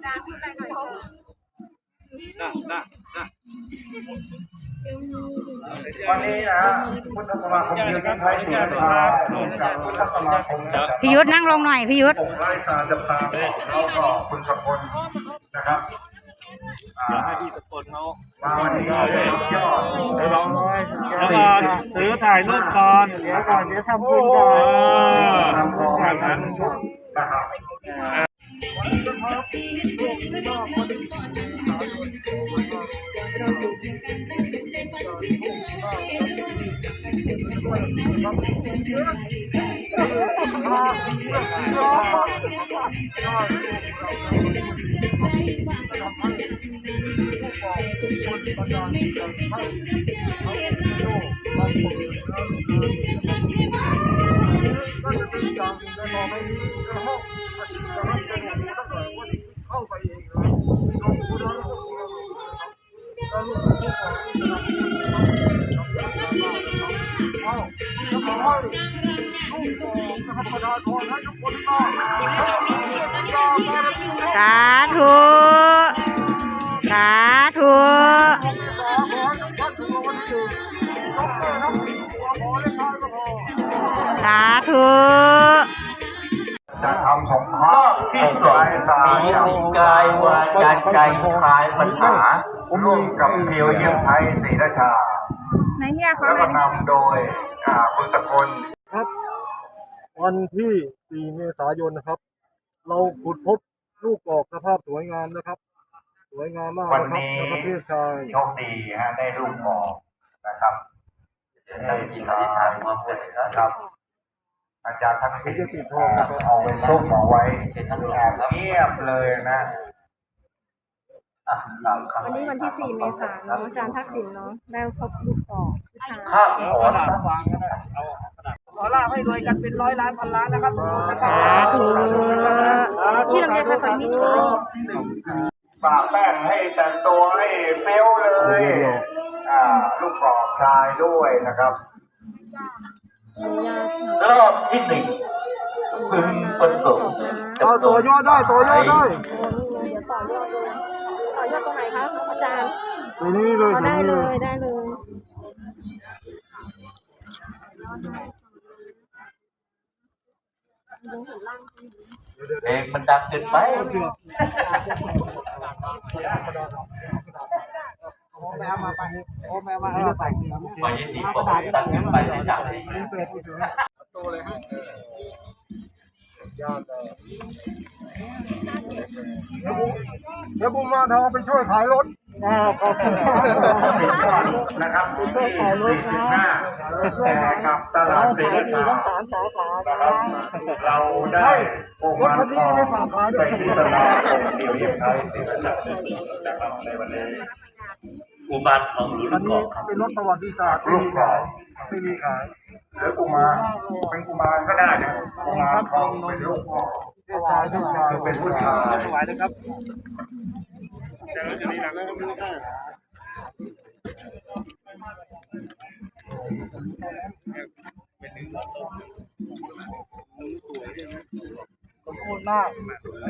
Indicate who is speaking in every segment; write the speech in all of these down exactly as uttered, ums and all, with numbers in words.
Speaker 1: น่ะน่ะน่ะ
Speaker 2: วันนี้นะพุทธสมาคมยืนยันไทยถือเป็นพาจากพุทธสมาคม
Speaker 3: พี่ยุทธนั่งลงหน่อยพี่ยุทธ
Speaker 2: ไล่ตาจับตาเขาก็คุณสกลนะครับ
Speaker 1: เดี๋ยวให้พี่สกลเขา
Speaker 2: มาวันนี้ยอด
Speaker 1: ไปลองเลยแล้วก่อนถือถ่ายรูปก่อนเดี๋ยวก่อนเดี๋ยวทำบุญก่อน
Speaker 2: ทำของแบบนั้นนะครับ
Speaker 3: สาธุสาธุสาธุ
Speaker 2: จะทำสงเคราะห์ที่สองมีสิ่งกายวาจาใจคลายปัญหาร่วมกับเพียวเยี่ยมไทยศรีราชาแล้วก็นำโดยคุณสกล
Speaker 4: ครับวันที่สี่เมษายนนะครับเราขุดพบลูกกอกสภาพสวยงามนะครับสวยงามมาก
Speaker 2: วันนี้โชคดีฮะได้ลูกกอกนะครับได้ยินอธิษฐานมาเลยนะครับอาจารย์ทั้งสี่เอาไปซุกเอาไว้เงียบเลยนะ
Speaker 5: วันนี้วันที่สี่เมษายนอาจารย์ทักษิณเนาะได้พบลูกกอก
Speaker 2: ข้าวขอ
Speaker 1: ขอลาให้รวยกันเป็นร้อยล้านพันล้านนะครับ
Speaker 3: สาธุ
Speaker 5: ที่เราเรียนภาษานี้
Speaker 2: ปากแป้งให้แต่งตัวให้เปี้ยวเลยอ่าลูกกอกชายด้วยนะครับรอบที่หนึ่งพึงประสบ
Speaker 4: เอาตัวยอดได้ตัวยอดได้
Speaker 5: เดี๋ยวต่อยอดเลยต่อยอดตรงไหนคะอาจารย์
Speaker 4: ตรงนี้เลย
Speaker 5: ได้เลยได้เลย
Speaker 2: เองมันดังเกินไป
Speaker 4: โอ้แม่มาไปโอ้แม่มาเอาใส่
Speaker 2: ไปยินดีผมดังเกินไปที่จับเลย
Speaker 4: โตเลยฮะยอดเลยเดี๋ยวบุ้มมาทำไปช่วยขายรถ
Speaker 2: นะครับที่สี่สิบห้าแต่กับตลาดเศรษฐีทั้งสามสาขานะครับเราได้
Speaker 4: รถคันนี้ไม่ฝากขายด้วย
Speaker 2: ไปที่ตลาดของเดียวเยี่ยมไทยศรีราชานะครับในวันนี้อุบาทของหลวงพ่อ
Speaker 4: เป็นรถประวัติศาสตร์
Speaker 2: ลูกขาย
Speaker 4: ไม่มีขาย
Speaker 2: หรือกุมารเป็นกุมารก็ได้นะกุมารทองเป็นลูกพ่อ
Speaker 4: ชายผู้ชาย
Speaker 2: เป็นผู้ชาย
Speaker 1: ถวายนะครับเดี๋ยวจะนี่นะไม่ต้องได้
Speaker 4: ขอบคุณมาก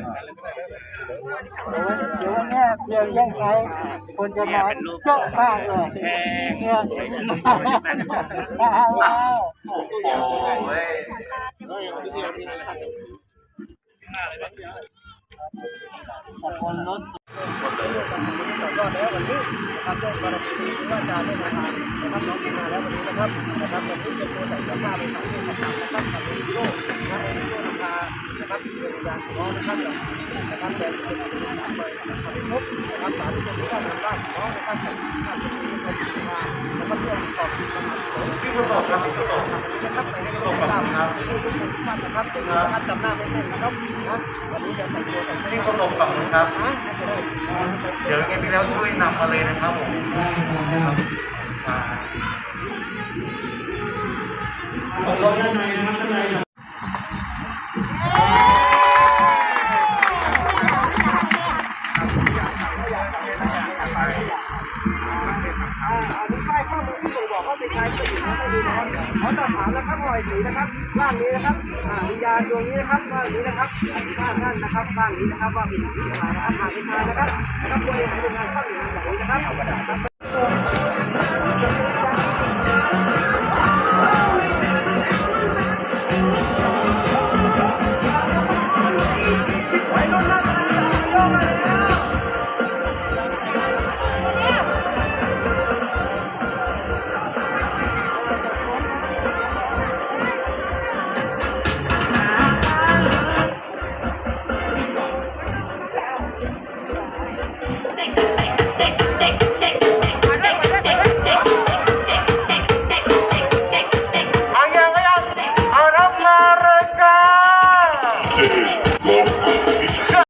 Speaker 4: เดี๋ยวแม่เพียงแย่งใครคนจะมาเจาะมากเลยเนี่ยว้าว
Speaker 2: โอ้โห
Speaker 4: ขอบคุณรถก็แล้ววันนี้นะครับก็บารมีที่ว่าจะได้มานะครับน้องที่มาแล้ววันนี้นะครับนะครับวันนี้เป็นตัวใส่เสื้อผ้าไปใส่เสื้อผ้านะครับกับวิดีโอนะวิดีโอราคานะครับที่เป็นการน้องนะครับนะครับแต่เป็นการไปนะครับพบนะครับสาธุชนทุกท่านบ้านน้องนะครับใส่ผ้าเสื้อผ้าสีมานะครับเพื่อตอบคำถาม
Speaker 2: ที่ประสบครับที่ประสบ
Speaker 4: นะครับในประสบการณ์ครับทุกท่านนะครับเป็นการจำหน้าไม่ได้นะครับนะวันนี้จะแต่งตัวแต่ง
Speaker 2: ที่ประสบกับครับเดี๋ยวยังมีแล้วช่วยนำมาเลยนะครับผมผมลงด้านในนะครับด้านใน
Speaker 4: อันนี้ใกล้เข้าที่บ่งบอกว่าเป็นชายเป็นหญิงไม่มีนะครับขอสอบถามนะครับหน่อยผีนะครับร่างนี้นะครับวิญญาณดวงนี้นะครับร่างนี้นะครับอธิษฐานท่านนะครับร่างนี้นะครับว่าเป็นผีอะไรนะครับหากเป็นชายนะครับนะครับตัวเองเป็นงานเข้าอยู่ในแบบนี้นะครับ